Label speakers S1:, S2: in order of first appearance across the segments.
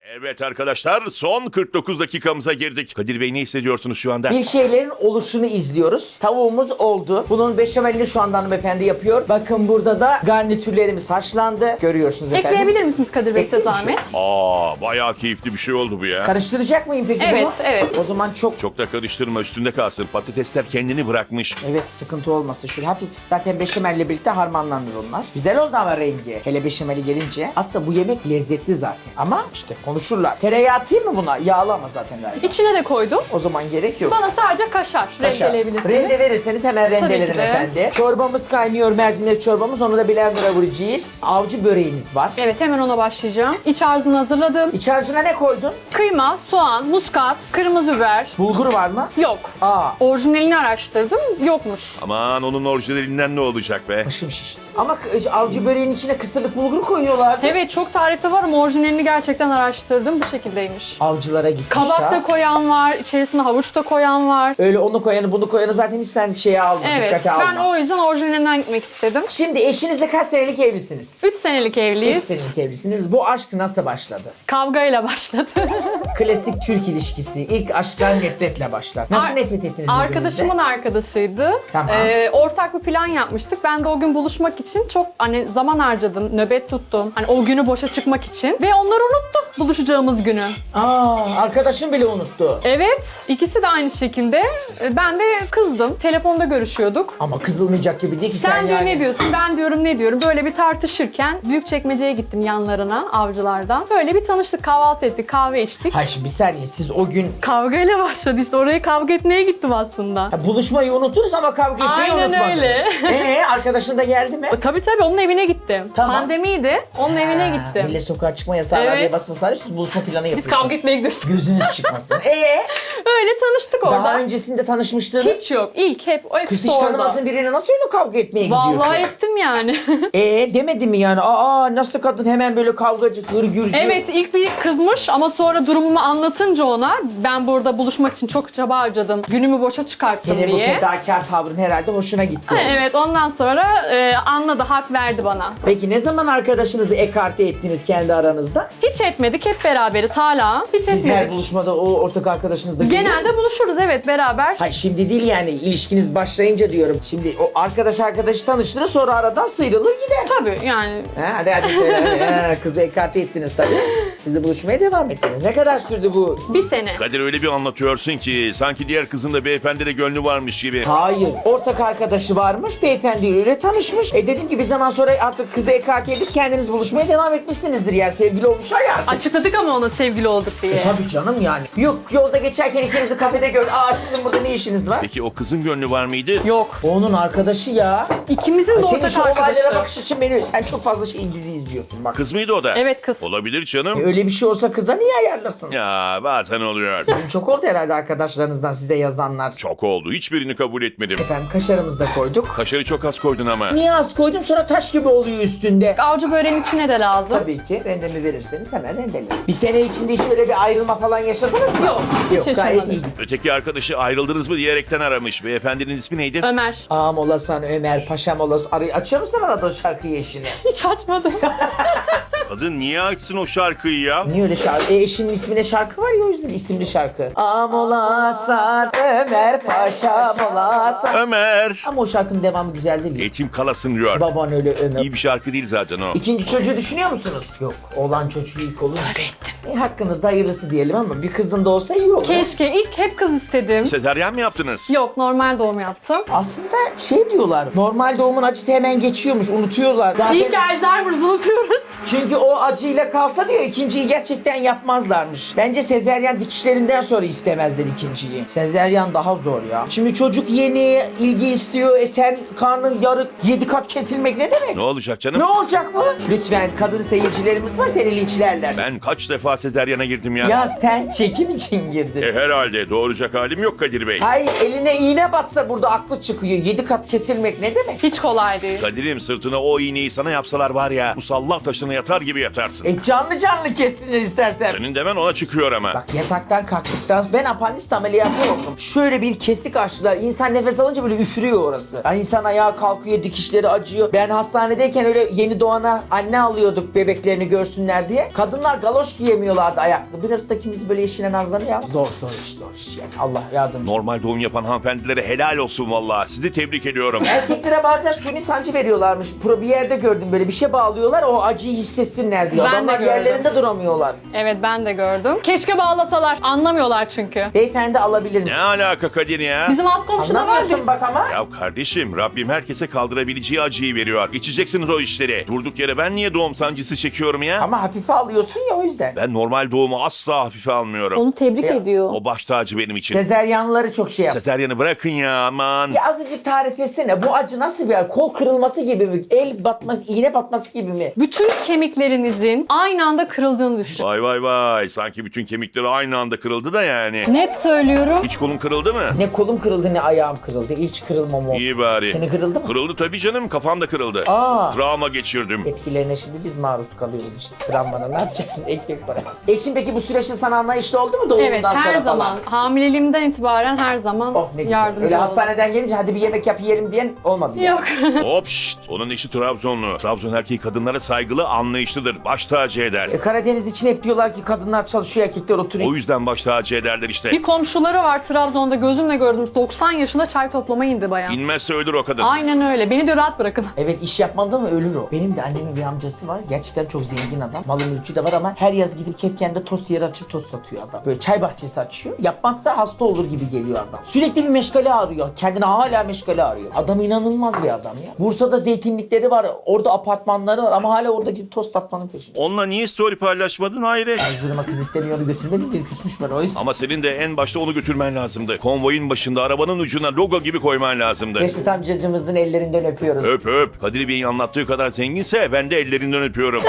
S1: Evet arkadaşlar, son 49 dakikamıza girdik. Kadir Bey, ne hissediyorsunuz şu anda?
S2: Bir şeylerin oluşunu izliyoruz. Tavuğumuz oldu. Bunun beşamelini şu anda hanımefendi yapıyor. Bakın burada da garnitürlerimiz haşlandı. Görüyorsunuz efendim.
S3: Ekleyebilir misiniz Kadir Bey size
S2: Ekleyeyim mi?
S3: zahmet?
S1: Bayağı keyifli bir şey oldu bu ya.
S2: Karıştıracak mıyım peki bunu?
S3: Evet, evet.
S2: O zaman çok...
S1: Çok da karıştırma, üstünde kalsın. Patatesler kendini bırakmış.
S2: Evet, sıkıntı olmasın. Şöyle hafif. Zaten beşamelle birlikte harmanlanır onlar. Güzel oldu ama rengi. Hele beşameli gelince. Aslında bu yemek lezzetli zaten. Ama işte konuşurlar. Tereyağı atayım mı buna? Yağlı ama zaten galiba.
S3: İçine de koydum.
S2: O zaman gerek yok.
S3: Bana sadece kaşar rendeleyebilirsiniz.
S2: Rende verirseniz hemen rendelerim
S3: ki de.
S2: efendi. Çorbamız kaynıyor, mercimek çorbamız. Onu da blender'a vuracağız. Avcı böreğiniz var.
S3: Evet, hemen ona başlayacağım. İç harcını hazırladım.
S2: İç harcına ne koydun?
S3: Kıyma, soğan, muskat, kırmızı biber.
S2: Bulgur var mı?
S3: Yok.
S2: Aa.
S3: Orijinalini araştırdım. Yokmuş.
S1: Aman, onun orijinalinden ne olacak be?
S2: Başım şişti. Ama avcı böreğin içine kısırlık bulgur koyuyorlar.
S3: Evet, çok tarifte var ama orijinalini gerçekten araştırdım. Bu şekildeymiş.
S2: Avcılara gitmiş
S3: Kabak da koyan var, içerisine havuç da koyan var.
S2: Öyle onu koyanı bunu koyanı zaten hiç sen şeye alma,
S3: Evet,
S2: dikkate alma.
S3: ben o yüzden orijinalinden gitmek istedim.
S2: Şimdi eşinizle kaç senelik evlisiniz?
S3: 3 senelik
S2: 3
S3: evliyiz.
S2: senelik evlisiniz. Bu aşk nasıl başladı?
S3: Kavgayla başladı.
S2: Klasik Türk ilişkisi. İlk aşklar nefretle başlar. Nasıl nefret ettiniz
S3: Arkadaşımın arkadaşıydı.
S2: Tamam.
S3: Ortak bir plan yapmıştık. Ben de o gün buluşmak için çok zaman harcadım, nöbet tuttum. Hani o günü boşa çıkmak için. Ve onları unuttum buluşacağımız günü.
S2: Arkadaşım bile unuttu.
S3: Evet, ikisi de aynı şekilde. Ben de kızdım. Telefonda görüşüyorduk.
S2: Ama kızılmayacak gibi değil ki sen
S3: Sen diyor
S2: yani.
S3: ne diyorsun, ben diyorum ne diyorum. Böyle bir tartışırken Büyükçekmece'ye gittim yanlarına, avcılardan. Böyle bir tanıştık, kahvaltı ettik, kahve içtik.
S2: Hayır şimdi bir saniye, siz o gün
S3: Kavgayla başladı işte. Oraya kavga etmeye gittim aslında.
S2: buluşmayı unuttunuz ama kavga etmeyi
S3: Aynen
S2: unutmadınız.
S3: öyle.
S2: Arkadaşın da geldi mi?
S3: Tabii onun evine gittim.
S2: Tamam.
S3: Pandemiydi, onun evine gittim.
S2: Millet sokağa çıkma yasağı var
S3: Evet.
S2: diye basmışlar. Siz buluşma planı
S3: Biz
S2: yapıyorsunuz.
S3: kavga etmeye gidiyoruz.
S2: Gözünüz çıkmasın.
S3: Öyle tanıştık orada.
S2: Daha öncesinde tanışmıştınız.
S3: Hiç yok. İlk hep o
S2: Kız
S3: hepsi
S2: hiç
S3: orada.
S2: tanımadığın birine nasıl öyle kavga etmeye gidiyorsun?
S3: Vallahi ettim yani.
S2: Demedi mi yani? Nasıl kadın hemen böyle kavgacı, hırgürcü.
S3: Evet, ilk bir kızmış ama sonra durumumu anlatınca ona ben burada buluşmak için çok çaba harcadım. Günümü boşa çıkarttım
S2: Senin bu
S3: diye.
S2: fedakar tavrın herhalde hoşuna gitti.
S3: Evet, ondan sonra anladı, hak verdi bana.
S2: Peki ne zaman arkadaşınızı ekarte ettiniz kendi aranızda?
S3: Hiç etmedik, hep beraberiz hala. Hiç
S2: Siz her
S3: etmedik.
S2: buluşmada o ortak arkadaşınız da geliyor mu?
S3: Genelde buluşuruz, evet, beraber.
S2: Hayır şimdi değil yani, ilişkiniz başlayınca diyorum. Şimdi o arkadaşı tanıştırır, sonra aradan sıyrılır gider.
S3: Tabii yani.
S2: Hadi söyle. Kızı ekarte ettiniz tabii. Sizi buluşmaya devam ettiniz. Ne kadar sürdü bu?
S3: Bir sene.
S1: Kadir, öyle bir anlatıyorsun ki sanki diğer kızın da beyefendide gönlü varmış gibi.
S2: Hayır. Ortak arkadaşı varmış. Beyefendiyle tanışmış. Dediğim gibi bir zaman sonra artık kızı ekarte edip kendiniz buluşmaya devam etmişsinizdir. Yani sevgili olmuşlar ya artık.
S3: Açıkladık ama ona sevgili olduk diye.
S2: Tabii canım yani. Yok, yolda geçerken ikinizi kafede gördüm. Sizin burada ne işiniz var?
S1: Peki o kızın gönlü var mıydı?
S3: Yok.
S2: Onun arkadaşı ya.
S3: İkimizin de
S2: Senin
S3: ortak
S2: şu olaylara
S3: arkadaşı.
S2: bakış açın beni. Sen çok fazla dizi izliyorsun bak.
S1: Kız mıydı o da?
S3: Evet, kız.
S1: Olabilir canım.
S2: Öyle bir şey olsa kıza niye ayarlasın?
S1: Ya bazen oluyor.
S2: Sizin çok oldu herhalde arkadaşlarınızdan size yazanlar.
S1: Çok oldu. Hiçbirini kabul etmedim.
S2: Efendim kaşarımızı da koyduk.
S1: Kaşarı çok az koydun ama.
S2: Niye az koydum, sonra taş gibi oluyor üstünde.
S3: Avcı böreğin içine de lazım.
S2: Tabii ki rendemi verirseniz hemen rendelerim. Bir sene içinde hiç öyle bir ayrılma falan yaşadınız mı?
S3: Yok, hiç
S2: Yok, gayet
S3: yaşamadım.
S2: iyi gitti.
S1: Öteki arkadaşı ayrıldınız mı diyerekten aramış. Beyefendinin ismi neydi?
S3: Ömer.
S2: Ağam olasan Ömer, paşam olasan... Açıyor musun arada o şarkıyı eşine?
S3: Hiç açmadım.
S1: Kadın niye açsın o şarkıyı ya?
S2: Niye öyle şarkı? Eşinin ismine şarkı var ya, o yüzden isimli şarkı. Ağam olasan Ömer, paşam olasan...
S1: Ömer.
S2: Ama o şarkının devamı güzel değil.
S1: Eğitim kalasın diyor.
S2: Baban öyle Ömer.
S1: İyi bir şarkı değil zaten o.
S2: İkinci çocuğu düşünüyor musunuz? Yok. Oğlan çocuğu ilk olur.
S3: Tövbe ettim.
S2: Hakkınızda hayırlısı diyelim ama bir kızın da olsa iyi olur.
S3: Keşke. İlk hep kız istedim.
S1: Sezaryen mi yaptınız?
S3: Yok, normal doğum yaptım.
S2: Aslında diyorlar. Normal doğumun acısı hemen geçiyormuş. Unutuyorlar. Zaten
S3: İlk Alzheimer'ı unutuyoruz.
S2: çünkü o acıyla kalsa diyor ikinciyi gerçekten yapmazlarmış. Bence sezeryan dikişlerinden sonra istemezler ikinciyi. Sezeryan daha zor ya. Şimdi çocuk yeni, ilgi istiyor. Sen karnın yarık, 7 kat kesilmek ne demek?
S1: Ne olacak canım?
S2: Ne olacak mı? Lütfen, kadın seyircilerimiz var, seni linçlerler.
S1: Ben kaç defa sezaryene girdim ya?
S2: Ya sen çekim için girdin.
S1: Herhalde doğuracak halim yok Kadir Bey.
S2: Hayır, eline iğne batsa burada aklı çıkıyor. 7 kat kesilmek ne demek?
S3: Hiç kolay değil.
S1: Kadir'im, sırtına o iğneyi sana yapsalar var ya, musallah taşına yatar gibi yatarsın.
S2: Canlı canlı kessinler istersen.
S1: Senin demen ona çıkıyor ama.
S2: Bak yataktan kalktıktan ben apandist ameliyatı oldum. Şöyle bir kesik açtılar. İnsan nefes alınca böyle üfürüyor orası. Yani insan ayağa kalkıyor, dikişleri acıyor. Ben hastanedeyken öyle yeni doğana anne alıyorduk bebeklerini görsünler diye. Kadınlar galop galoş giyemiyorlardı ayaklı. Biraz da kimisi böyle eşine nazlanıyor ama zor iş yani. Allah yardımcı.
S1: Normal doğum yapan hanımefendilere helal olsun vallahi. Sizi tebrik ediyorum.
S2: Erkeklere bazen suni sancı veriyorlarmış. Bir yerde gördüm, böyle bir şey bağlıyorlar, o acıyı hissetsinler diyor.
S3: Ben de
S2: Adamlar
S3: gördüm.
S2: yerlerinde duramıyorlar.
S3: Evet, ben de gördüm. Keşke bağlasalar. Anlamıyorlar çünkü.
S2: Beyefendi alabilir mi?
S1: Ne alaka Kadir ya?
S3: Bizim alt komşuda vardı.
S2: Anlamıyorsun bak ama.
S1: Ya kardeşim, Rabbim herkese kaldırabileceği acıyı veriyor. Geçeceksiniz o işleri. Durduk yere ben niye doğum sancısı çekiyorum ya?
S2: Ama hafife alıyorsun ya, o yüzden.
S1: Ben normal doğumu asla hafife almıyorum.
S3: Onu tebrik
S2: Ya,
S3: ediyor.
S1: O baş tacı benim için.
S2: Sezeryanları çok şey yap.
S1: Sezeryanı bırakın ya aman.
S2: Ya azıcık tarif etsene, bu acı nasıl bir acı? Kol kırılması gibi mi? El batması, iğne batması gibi mi?
S3: Bütün kemiklerinizin aynı anda kırıldığını düşün.
S1: Vay vay vay. Sanki bütün kemikleri aynı anda kırıldı da yani.
S3: Net söylüyorum.
S1: Hiç kolun kırıldı mı?
S2: Ne kolum kırıldı ne ayağım kırıldı. Hiç kırılmam o.
S1: İyi bari.
S2: Seni kırıldı mı?
S1: Kırıldı tabii canım. Kafam da kırıldı.
S2: Aa.
S1: Travma geçirdim.
S2: Etkilerine şimdi biz maruz kalıyoruz işte. Travmana ne yapacaksın? Ekmek parası. Eşin peki bu süreçte sana anlayışlı oldu mu doğumdan
S3: Evet,
S2: sonra
S3: her
S2: falan?
S3: zaman. Hamileliğimden itibaren her zaman
S2: Oh ne güzel.
S3: yardımcı
S2: Öyle
S3: oldu.
S2: hastaneden gelince hadi bir yemek yap yiyelim diyen olmadı ya.
S3: Yok.
S1: Hop şşt. Onun eşi Trabzonlu. Trabzon erkeği kadınlara saygılı, anlayışlıdır. Baş tacı eder.
S2: Karadeniz için hep diyorlar ki kadınlar çalışıyor, erkekler oturuyor.
S1: O yüzden baş tacı ederler işte.
S3: Bir komşuları var Trabzon'da, gözümle gördüm. 90 yaşında çay toplamaya indi bayağı.
S1: İnmezse ölür o kadın.
S3: Aynen öyle. Beni de rahat bırakın.
S2: Evet, iş yapmadı mı ölür o. Benim de annemin bir amcası var. Gerçekten çok zengin adam. Malı mülkü de var ama her yaz gidip Kefken'de tost yeri açıp tost satıyor adam. Böyle çay bahçesi açıyor. Yapmazsa hasta olur gibi geliyor adam. Sürekli bir meşgale arıyor. Kendine hala meşgale arıyor. Adam inanılmaz bir adam ya. Bursa'da zeytinlikleri var. Orada apartmanları var ama hala orada gidip tost atmanın peşinde.
S1: Onunla niye story paylaşmadın hayret?
S2: Erzurum'a kız istemiyor, onu götürmedim diye küsmüş bana o yüzden.
S1: Ama senin de en başta onu götürmen lazımdı. Konvoyun başında arabanın ucuna logo gibi koyman lazımdı.
S2: Reşit amcacımızın ellerinden öpüyoruz.
S1: Öp öp. Kadir Bey'in anlattığı kadar zenginse ben de ellerinden öpüyorum.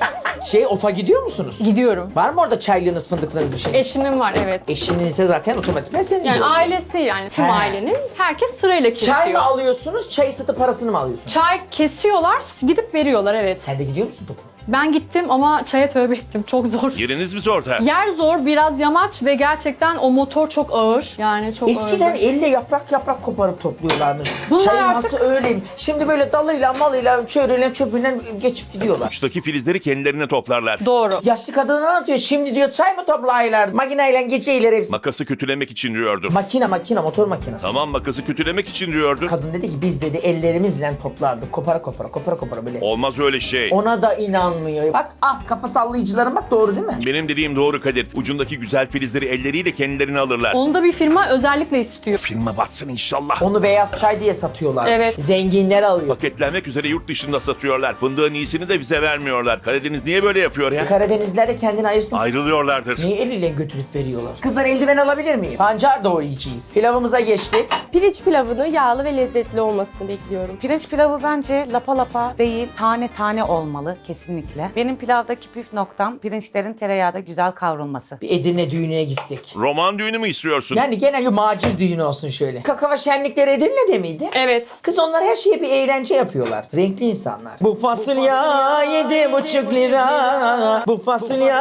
S2: OF'a gidiyor musunuz?
S3: Gidiyorum.
S2: Var mı orada çaylığınız, fındıklığınız bir şey?
S3: Eşimin var, evet.
S2: Eşinizse zaten otomatikman senin
S3: Yani
S2: diyor.
S3: ailesi, yani tüm
S2: He.
S3: ailenin, herkes sırayla kesiyor.
S2: Çay mı alıyorsunuz, çayı satıp parasını mı alıyorsunuz?
S3: Çay kesiyorlar, gidip veriyorlar, evet.
S2: Sen de gidiyor musun topu?
S3: Ben gittim ama çaya tövbe ettim. Çok zor.
S1: Yeriniz mi zor?
S3: Yer zor, biraz yamaç ve gerçekten o motor çok ağır. Yani çok
S2: Eskiden
S3: ağır.
S2: elle yaprak koparıp topluyorlarmış.
S3: Bunlar
S2: Çayın
S3: artık-
S2: hası öyleymiş. Şimdi böyle dalıyla malıyla çöreyle çöpüyle geçip gidiyorlar.
S1: Uçtaki filizleri kendilerine toplarlar.
S3: Doğru.
S2: Yaşlı kadın anlatıyor. Şimdi diyor çay mı toplayırlar? Makineyle geçeyler hepsi.
S1: Makası kötülemek için diyordum.
S2: Makine motor makinesi.
S1: Tamam makası kötülemek için diyordun.
S2: Kadın dedi ki biz dedi ellerimizle toplardık. Kopara böyle.
S1: Olmaz öyle şey.
S2: Ona da inanmıyor. Bak kafa sallayıcıların bak, doğru değil mi?
S1: Benim dediğim doğru Kadir. Ucundaki güzel filizleri elleriyle kendilerine alırlar.
S3: Onu da bir firma özellikle istiyor.
S1: Firma batsın inşallah.
S2: Onu beyaz çay diye satıyorlar.
S3: Evet.
S2: Zenginler alıyor.
S1: Paketlenmek üzere yurt dışında satıyorlar. Fındığın iyisini de bize vermiyorlar. Karadeniz niye böyle yapıyor ya?
S2: Karadenizler de kendini ayırsın.
S1: Ayrılıyorlardır.
S2: Niye eliyle götürüp veriyorlar? Kızlar eldiven alabilir miyim? Pancar doğrayacağız. Pilavımıza geçtik.
S4: Pirinç pilavını yağlı ve lezzetli olmasını bekliyorum.
S5: Pirinç pilavı bence lapa lapa değil, tane tane olmalı kesinlikle. Benim pilavdaki püf noktam pirinçlerin tereyağda güzel kavrulması.
S2: Bir Edirne düğününe gitsek.
S1: Roman düğünü mü istiyorsun?
S2: Yani genel bir macir düğünü olsun şöyle. Kakava şenlikleri Edirne'de miydi?
S3: Evet.
S2: Kız onlar her şeye bir eğlence yapıyorlar. Renkli insanlar. Bu fasulye 7,5 lira. Bu fasulye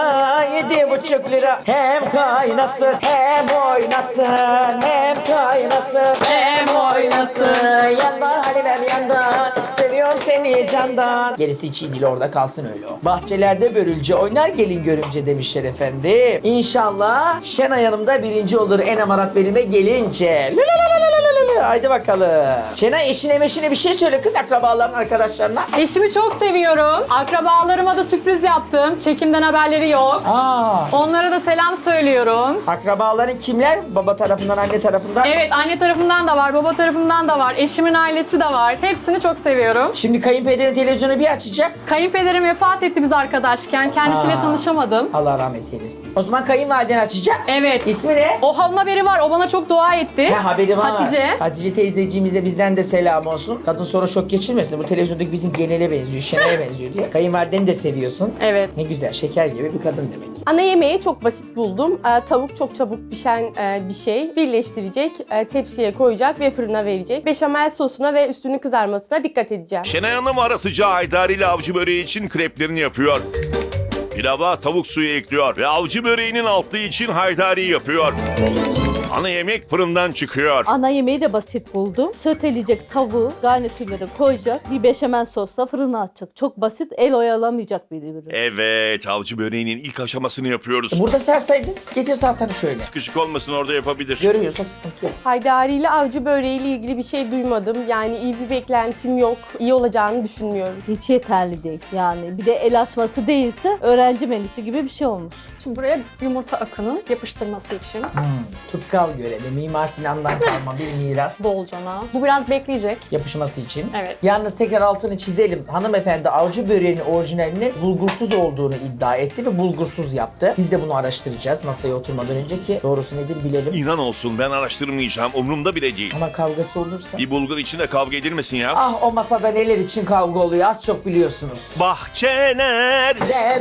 S2: 7,5 lira. Hem kaynasın hem oynasın. Hem kaynasın hem oynasın. Yandan Halimem yandan. Seviyorum seni candan. Gerisi için değil, orada kalsın öyle o. Bahçelerde börülce oynar gelin görümce demişler efendim. İnşallah Şenay Hanım da birinci olur en amarat benime gelince. Haydi bakalım. Şenay eşine meşine bir şey söyle kız, akrabaların arkadaşlarına.
S3: Eşimi çok seviyorum. Akrabalarıma da sürpriz yaptım. Çekimden haberleri yok. Onlara da selam söylüyorum.
S2: Akrabaların kimler? Baba tarafından, anne tarafından.
S3: Evet, anne tarafından da var, baba tarafından da var. Eşimin ailesi de var. Hepsini çok seviyorum.
S2: Şimdi kayınpederin televizyonu bir açacak.
S3: Kayınpederim vefat etti biz arkadaşken. Kendisiyle tanışamadım.
S2: Allah rahmet eylesin. O zaman kayınvaliden açacak.
S3: Evet.
S2: İsmi ne?
S3: O haberi var. O bana çok dua etti.
S2: He, haberi var.
S3: Hatice.
S2: Hatice teyzeciğimize bizden de selam olsun. Kadın sonra şok geçirmesin. Bu televizyondaki bizim genele benziyor, Şenay'a benziyor diye. Kayınvalideni de seviyorsun.
S3: Evet.
S2: Ne güzel, şeker gibi bir kadın demek.
S4: Ana yemeği çok basit buldum. Tavuk çok çabuk pişen bir şey. Birleştirecek, tepsiye koyacak ve fırına verecek. Beşamel sosuna ve üstünün kızarmasına dikkat edeceğim.
S1: Şenay Hanım ara sıcağı haydari ile avcı böreği için kreplerini yapıyor. Pilava tavuk suyu ekliyor ve avcı böreğinin altlığı için haydari yapıyor. Ana yemek fırından çıkıyor.
S6: Ana yemeği de basit buldum. Söteleyecek tavuğu, garnitürleri koyacak. Bir beşamel sosla fırına atacak. Çok basit, el oyalamayacak bir ürün.
S1: Evet, avcı böreğinin ilk aşamasını yapıyoruz.
S2: Burada sersaydın getir tahtanı şöyle.
S1: Sıkışık olmasın, orada yapabilir.
S2: Görüyorsak sıkıntı yok.
S4: Haydari ile avcı böreğiyle ilgili bir şey duymadım. Yani iyi bir beklentim yok. İyi olacağını düşünmüyorum.
S6: Hiç yeterli değil. Yani bir de el açması değilse öğrenci menüsü gibi bir şey olmuş.
S3: Şimdi buraya yumurta akının yapıştırması için
S2: Tutkal görevi, Mimar Sinan'dan kalma bir miras.
S3: bolcana. Bu biraz bekleyecek.
S2: Yapışması için.
S3: Evet.
S2: Yalnız tekrar altını çizelim. Hanımefendi avcı böreğinin orijinalinin bulgursuz olduğunu iddia etti ve bulgursuz yaptı. Biz de bunu araştıracağız masaya oturmadan önce ki doğrusu nedir bilelim.
S1: İnan olsun, ben araştırmayacağım. Umurumda bile değil.
S2: Ama kavgası olursa.
S1: Bir bulgur içinde kavga edilmesin ya.
S2: Ah o masada neler için kavga oluyor az çok biliyorsunuz.
S1: Bahçeler.
S2: Ne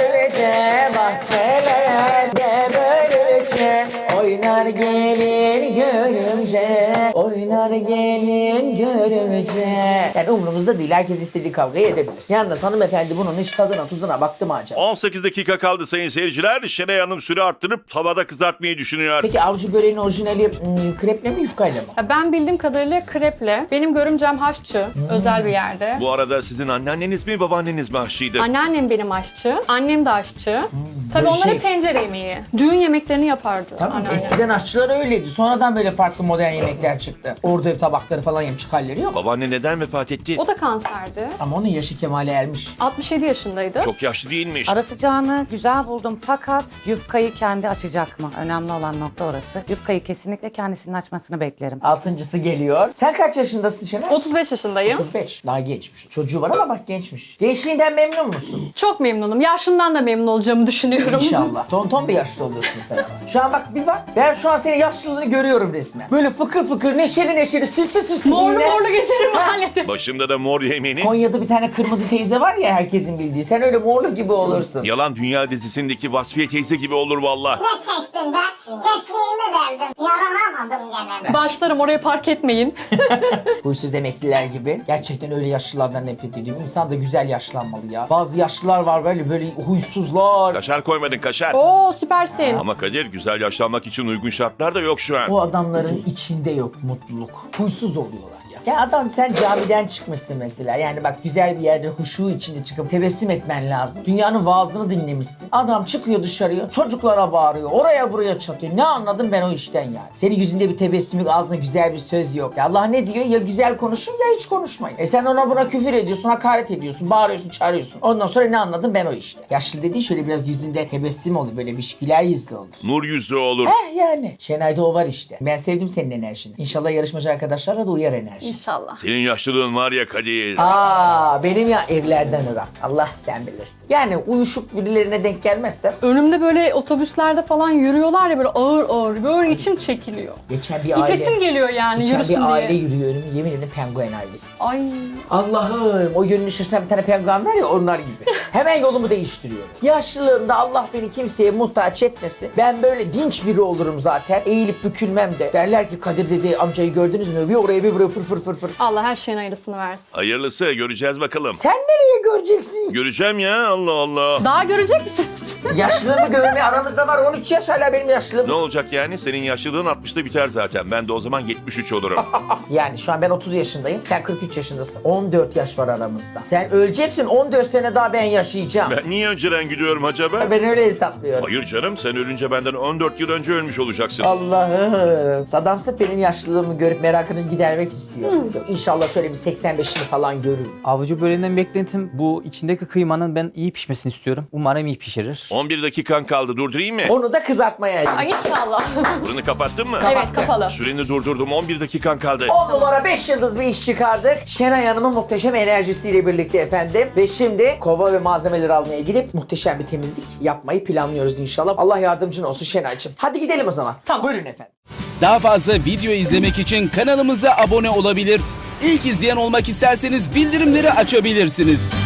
S2: böylece bahçeler, ne böylece oynar gelin görümce, oynar gelin görümce. Yani umurumuzda değil, herkes istediği kavgayı edebilir. Yalnız hanımefendi bunun hiç tadına tuzuna baktı mı acaba?
S1: 18 dakika kaldı sayın seyirciler. Şenay Hanım süre arttırıp tavada kızartmayı düşünüyor.
S2: Peki avcı böreğinin orijinali kreple mi yufkayla mı?
S3: Ya ben bildiğim kadarıyla kreple. Benim görümcem haşçı. Özel bir yerde.
S1: Bu arada sizin anneanneniz mi babaanneniz mi aşçıydı?
S3: Anneannem benim aşçı. Annem de aşçı. Tabii
S2: böyle
S3: onlar
S2: şey-
S3: hep tencere yemeği. Düğün yemeklerini yapardı
S2: Tamam
S3: anneannem.
S2: eskiden aşçılar öyleydi. Sonradan böyle farklı modern yemekler çıktı. Orada ev tabakları falan yemiş halleri yok.
S1: Babaanne neden vefat etti?
S3: O da kanserdi.
S2: Ama onun yaşı kemale ermiş.
S3: 67 yaşındaydı.
S1: Çok yaşlı değilmiş.
S5: Ara sıcağını güzel buldum fakat yufkayı kendi açacak mı? Önemli olan nokta orası. Yufkayı kesinlikle kendisinin açmasını beklerim.
S2: Altıncısı geliyor. Sen kaç yaşındasın Şener?
S3: 35 yaşındayım.
S2: 35. Daha gençmiş. Çocuğu var ama bak gençmiş. Gençliğinden memnun musun?
S3: Çok memnunum. Yaşımdan da memnun olacağımı düşünüyorum.
S2: İnşallah. Tonton bir yaşlı oluyorsun sen. Şu an bak bir bak. Ben şu an senin yaşlılığını görüyorum resmen. Böyle fıkır fıkır, neşeli neşeli, süslü süslü.
S3: Morlu
S2: yine.
S3: morlu gezerim mahallede.
S1: Başımda da mor yemeni.
S2: Konya'da bir tane kırmızı teyze var ya herkesin bildiği. Sen öyle morlu gibi olursun.
S1: Yalan Dünya dizisindeki Vasfiye teyze gibi olur valla.
S7: Ne çektim ben? Geçliğimi verdim. Yaranamadım gene.
S3: Başlarım oraya park etmeyin.
S2: Huysuz emekliler gibi. Gerçekten öyle yaşlılardan nefret ediyorum. İnsan da güzel yaşlanmalı ya. Bazı yaşlılar var böyle huysuzlar.
S1: Kaşar koymadın kaşar.
S3: Oo süpersin.
S1: Ama Kadir, güzel yaşlanmak için uygun şartlar da yok şu an.
S2: O adamların içinde yok mutluluk. Huysuz oluyorlar ya. Ya adam sen camiden çıkmışsın mesela. Yani bak güzel bir yerde huşu içinde çıkıp tebessüm etmen lazım. Dünyanın vaazını dinlemişsin. Adam çıkıyor dışarıya çocuklara bağırıyor. Oraya buraya çatıyor. Ne anladım ben o işten yani. Senin yüzünde bir tebessüm yok, ağzında güzel bir söz yok. Ya Allah ne diyor? Ya güzel konuşun ya hiç konuşmayın. Sen ona buna küfür ediyorsun, hakaret ediyorsun, bağırıyorsun, çağırıyorsun. Ondan sonra ne anladım ben o işte. Yaşlı dediğin şöyle biraz yüzünde tebessüm olur. Böyle bir güler yüzlü olur.
S1: Nur yüzlü olur.
S2: Yani. Şenay'da o var işte. Ben sevdim senin enerjini. İnşallah yarışmacı arkadaşlara da uyar enerji.
S3: İnşallah.
S1: Senin yaşlılığın var ya Kadir.
S2: Benim ya evlerden ırak. Allah sen bilirsin. Yani uyuşuk birilerine denk gelmezsem
S3: Önümde böyle otobüslerde falan yürüyorlar ya böyle ağır ağır. Böyle içim çekiliyor.
S2: geçen bir aile
S3: İtesim geliyor yani
S2: geçen
S3: yürüsün
S2: bir aile
S3: diye.
S2: yürüyor önüme. Yemin ederim penguen ailesi.
S3: Ay.
S2: Allah'ım o yönünü şaşıran bir tane penguen var ya onlar gibi. Hemen yolumu değiştiriyorum. Yaşlılığımda Allah beni kimseye muhtaç etmesin. Ben böyle dinç biri olurum zaten. Eğilip bükülmem de. Derler ki Kadir dedi amcayı gördünüz mü? Bir oraya bir buraya fır fır fır fır.
S3: Allah her şeyin hayırlısını versin.
S1: Hayırlısı, göreceğiz bakalım.
S2: Sen nereye göreceksin?
S1: Göreceğim ya, Allah Allah.
S3: Daha görecek misiniz?
S2: Yaşlılığımı görme aramızda var 13 yaş hala benim yaşlılığım.
S1: Ne olacak yani? Senin yaşlılığın 60'ta biter zaten. Ben de o zaman 73 olurum.
S2: Yani şu an ben 30 yaşındayım. Sen 43 yaşındasın. 14 yaş var aramızda. Sen öleceksin 14 sene daha ben yaşayacağım.
S1: Ben niye önceden gidiyorum acaba?
S2: Ben öyle hesaplıyorum.
S1: Hayır canım, sen ölünce benden 14 yıl önce ölmüş olacaksın.
S2: Allah'ım. Saddam Sıt benim yaşlılığımı görüp merakını gidermek istiyor. İnşallah şöyle bir 85'imi falan görür.
S8: Avcı böreğinden beklentim bu içindeki kıymanın ben iyi pişmesini istiyorum. Umarım iyi pişirir.
S1: 11 dakikan kaldı, durdurayım mı?
S2: Onu da kızartmaya
S3: Ay
S2: ayıracağız.
S3: inşallah.
S1: Fırını kapattın mı?
S3: Evet kapalı.
S1: Süreni durdurdum, 11 dakikan kaldı.
S2: 10 numara 5 yıldız bir iş çıkardık. Şenay Hanım'ın muhteşem enerjisiyle birlikte efendim. Ve şimdi kova ve malzemeleri almaya gidip muhteşem bir temizlik yapmayı planlıyoruz inşallah. Allah yardımcın olsun Şenay'cığım. Hadi gidelim o zaman.
S3: Tamam.
S2: Buyurun efendim.
S9: Daha fazla video izlemek için kanalımıza abone olabilir. İlk izleyen olmak isterseniz bildirimleri açabilirsiniz.